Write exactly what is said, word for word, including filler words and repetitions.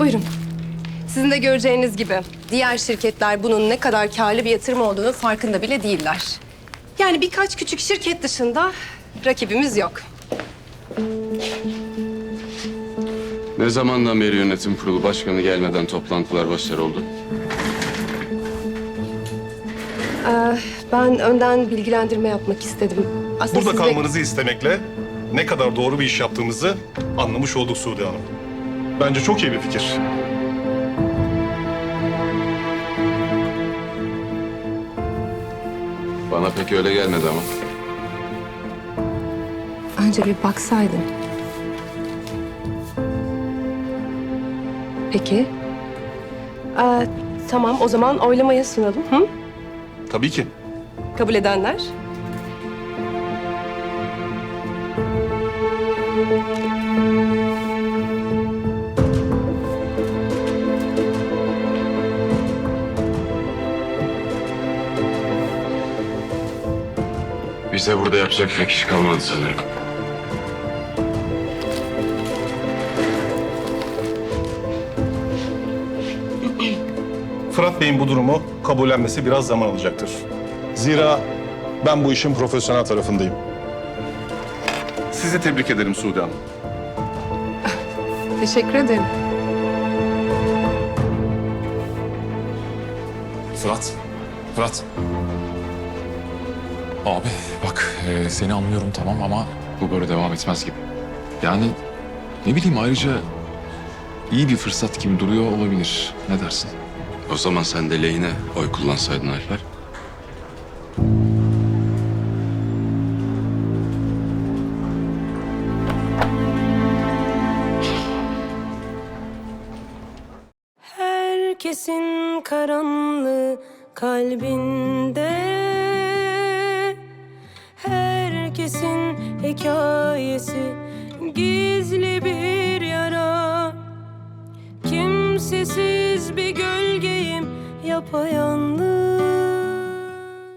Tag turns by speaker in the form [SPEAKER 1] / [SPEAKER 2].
[SPEAKER 1] Buyurun. Sizin de göreceğiniz gibi diğer şirketler bunun ne kadar karlı bir yatırım olduğunu farkında bile değiller. Yani birkaç küçük şirket dışında rakibimiz yok.
[SPEAKER 2] Ne zamandan beri yönetim kurulu başkanı gelmeden toplantılar başarı oldu?
[SPEAKER 1] Ee, ben önden bilgilendirme yapmak istedim. Aslında
[SPEAKER 3] Burada
[SPEAKER 1] siz de-
[SPEAKER 3] kalmanızı istemekle ne kadar doğru bir iş yaptığımızı anlamış olduk Sude Hanım. Bence çok iyi bir fikir.
[SPEAKER 2] Bana pek öyle gelmedi ama.
[SPEAKER 1] Önce bir baksaydın. Peki. Ee, tamam, o zaman oylamaya sunalım. Hı?
[SPEAKER 3] Tabii ki.
[SPEAKER 1] Kabul edenler?
[SPEAKER 2] Bize burada yapacak pek iş kalmadı sanırım.
[SPEAKER 3] Fırat Bey'in bu durumu kabullenmesi biraz zaman alacaktır. Zira ben bu işin profesyonel tarafındayım. Sizi tebrik ederim Sude Hanım.
[SPEAKER 1] Teşekkür ederim.
[SPEAKER 4] Fırat, Fırat. Abi bak e, seni anlıyorum tamam ama bu böyle devam etmez gibi. Yani ne bileyim ayrıca iyi bir fırsat gibi duruyor olabilir. Ne dersin?
[SPEAKER 2] O zaman sen de lehine oy kullansaydın Alper.
[SPEAKER 5] Herkesin karanlığı kalbinde, herkesin hikayesi gizli bir yara. Kimsesiz bir gölgeyim yapayalnız,